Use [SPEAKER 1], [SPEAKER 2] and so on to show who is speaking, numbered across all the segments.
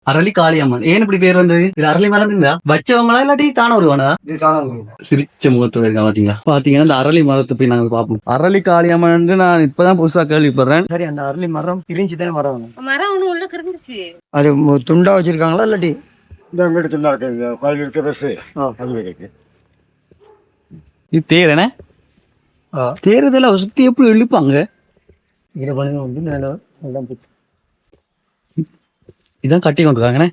[SPEAKER 1] அரளி காளியம்மன் ஏன் இப்படி பேர் வந்தது? இது அரளி மரம் இருந்தா வச்சவங்களா இல்லாட்டி தானே வருவானா? சிரிச்ச முகத்தோட இருக்கா பாத்தீங்களா? பாத்தீங்கன்னா இந்த அரளி மரத்தை போய் நாங்க பாப்போம். அரளி காளியம்மன் நான் இப்பதான் புதுசா கேள்விப்படுறேன். சரி, அந்த அரளி மரம் பிரிஞ்சுதான் மரம்
[SPEAKER 2] ஒண்ணு உள்ள கிடந்துச்சு.
[SPEAKER 1] அது துண்டா வச்சிருக்காங்களா இல்லாட்டி
[SPEAKER 3] இந்த வீடு துண்டா இருக்கு, கோயில் இருக்க பஸ் அது இருக்கு.
[SPEAKER 1] இது தேர் என்ன? தேர்தல சுத்தி எப்படி இழுப்பாங்க?
[SPEAKER 3] இதை பண்ணி வந்து நல்லா
[SPEAKER 1] இதான் கட்டி கொண்டிருக்காங்கண்ணே.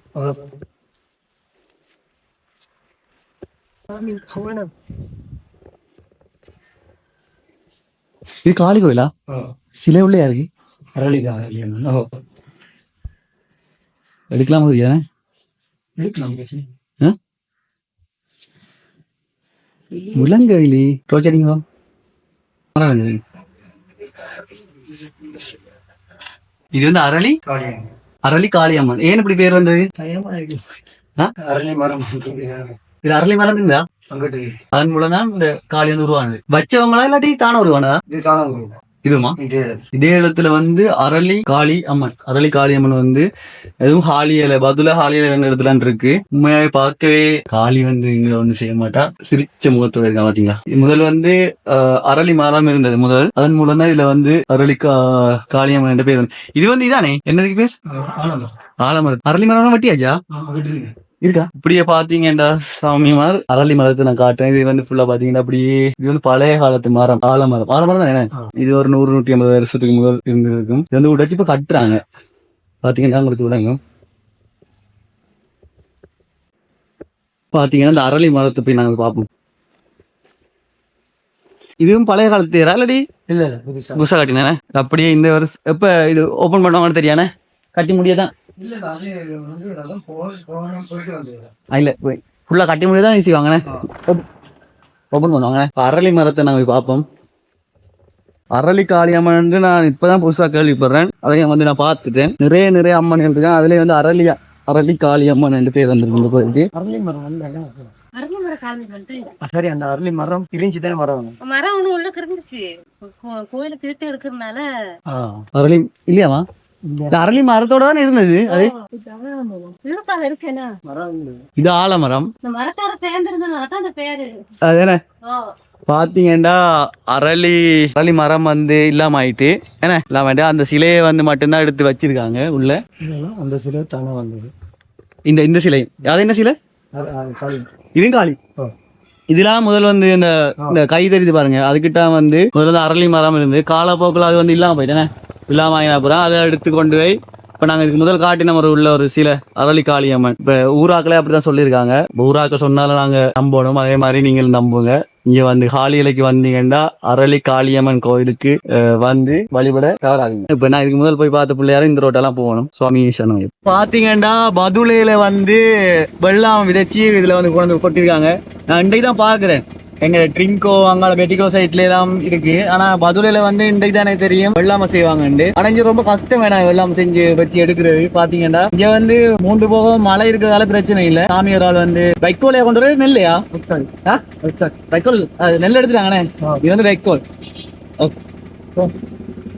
[SPEAKER 1] இது காளி கோயிலா? சிலை உள்ளே இருக்கு.
[SPEAKER 3] அரளி காளியம்மன்.
[SPEAKER 1] எடுக்கலாம் முழங்கவேலி தோச்சடிங்க. இது வந்து அரளி
[SPEAKER 3] காளியம்மன்.
[SPEAKER 1] அரளி காளியம்மன் ஏன் இப்படி பேர் வந்தது?
[SPEAKER 3] அரளி மரம்
[SPEAKER 1] இது அரளி மரம் இருந்தா
[SPEAKER 3] அங்கிட்டு
[SPEAKER 1] அதன் மூலம் தான் இந்த காளி வந்து உருவானது. வச்சவங்களா இல்லாட்டி தானே உருவானதா?
[SPEAKER 3] இது காணாம
[SPEAKER 1] இதுமா இதே இடத்துல வந்து அரளி காளி அம்மன். அரளி காளி அம்மன் வந்து எதுவும் ஹாலியல பதுல ஹாலியல ரெண்டு இடத்துல இருக்கு. உண்மையாவே பார்க்கவே காளி வந்து இங்க ஒண்ணு செய்ய மாட்டா. சிரிச்ச முகத்தோட இருக்கா பாத்தீங்களா? முதல் வந்து அரளி மரம் இருந்தது முதல். அதன் மூலம் தான் இதுல வந்து அரளி காளியம்மன் என்ற பேர். இது வந்து இதானே என்னதுக்கு பேர்? ஆலமரம். அரளி மரம் வட்டியாச்சா இருக்கா? இப்படியே பாத்தீங்கன்னா சாமிமார் அரளி மரத்தை நான் காட்டுறேன். இது வந்து ஃபுல்லா பாத்தீங்கன்னா அப்படியே இது வந்து பழைய காலத்து மரம். ஆலமரம். ஆலமரம் தான் என்ன? இது ஒரு 100-150 வருஷத்துக்கு முதல் இருந்திருக்கும். இது வந்து உடைச்சு இப்ப கட்டுறாங்க. பாத்தீங்கன்னா உங்களுக்கு விளங்கும். பாத்தீங்கன்னா இந்த அரளி மரத்தை போய் நாங்க பார்ப்போம். இதுவும் பழைய காலத்து தேரா இல்லாடி?
[SPEAKER 3] இல்ல இல்ல
[SPEAKER 1] புதுசா கட்டினே. அப்படியே இந்த வருஷம் எப்ப இது ஓபன் பண்ணுவாங்கன்னு தெரியானே. கட்டி முடியாதான் இல்ல ஃபுல்லா கட்டி முடியாதான் ஈஸி வாங்கினேன். ஓபன் பண்ணுவாங்க. அரளி மரத்தை நாங்க போய் பார்ப்போம். அரளி காளியம்மன் நான் இப்பதான் புதுசா கேள்விப்படுறேன். அதையும் வந்து நான் பார்த்துட்டேன். நிறைய அம்மன் இருக்கான். அதுலயே வந்து அரளி காளியம்மன் ரெண்டு பேர் வந்துருக்கு கோயிலுக்கு.
[SPEAKER 3] அரளி மரம்
[SPEAKER 1] சரி, அந்த அரளி மரம் பிரிஞ்சுதான் மரம்
[SPEAKER 2] ஒண்ணு உள்ள கிடந்துச்சு. கோயில திருத்தி எடுக்கிறதுனால
[SPEAKER 1] அரளி இல்லையாமா? அரளி மரத்தோட தான் இருந்தது. அது இது ஆலமரம்.
[SPEAKER 2] மரத்தோட சேர்ந்திருந்ததுனாலதான் அந்த பேரு.
[SPEAKER 1] அதுதானே பாத்தீங்கன்னா அரளி மரம் வந்து இல்லாம ஆயிட்டு என்ன இல்லாம அந்த சிலையை வந்து மட்டும்தான் எடுத்து வச்சிருக்காங்க உள்ள.
[SPEAKER 3] அந்த சிலை தானே வந்தது.
[SPEAKER 1] இந்த சிலை அது என்ன சிலை? இதுவும் காளி. இதெல்லாம் முதல் வந்து இந்த கை தெரியுது பாருங்க. அதுக்கிட்ட வந்து முதல்ல அரளி மரம் இருந்து காலப்போக்கில் அது வந்து இல்லாம போயிட்டேனே. இல்லாம அப்புறம் அதை எடுத்து கொண்டு போய் இப்ப நாங்க இதுக்கு முதல் காட்டின உள்ள ஒரு சில அரளி காளியம்மன். இப்ப ஊராக்களே அப்படிதான் சொல்லியிருக்காங்க. ஊராக்கள் சொன்னாலும் நாங்க நம்பணும். அதே மாதிரி நீங்கள் நம்புங்க. இங்க வந்து ஹாலியலைக்கு வந்தீங்கன்னா அரளி காளியம்மன் கோயிலுக்கு வந்து வழிபட தவறாகுங்க. இப்ப நான் இதுக்கு முதல் போய் பார்த்த பிள்ளையாரும் இந்த ரோட்டெல்லாம் போகணும். சுவாமி சரணம். பாத்தீங்கன்னா பதுளையில வந்து வெள்ளாம விதைச்சி இதுல வந்து கொண்டு கொட்டிருக்காங்க. நான் இன்றைக்கு தான் பாக்குறேன். எங்க ட்ரிங்கோ அங்கால பெட்டிகோ சைட்ல எல்லாம் இருக்கு. ஆனா பதுளையில வந்து இன்றைக்கு தானே தெரியும் வெள்ளாம செய்வாங்க. ஆனா இங்க ரொம்ப கஷ்டம் வேணாம் வெள்ளாம செஞ்சு வெட்டி எடுக்கிறது. பாத்தீங்கன்னா இங்க வந்து 3 போகம் மழை இருக்கிறதால பிரச்சனை இல்ல. சாமியாரால் வந்து வைக்கோலையா கொண்டு வர நெல்லையா வைக்கோல் நெல் எடுத்துட்டாங்கண்ணே. இது வந்து வைக்கோல்.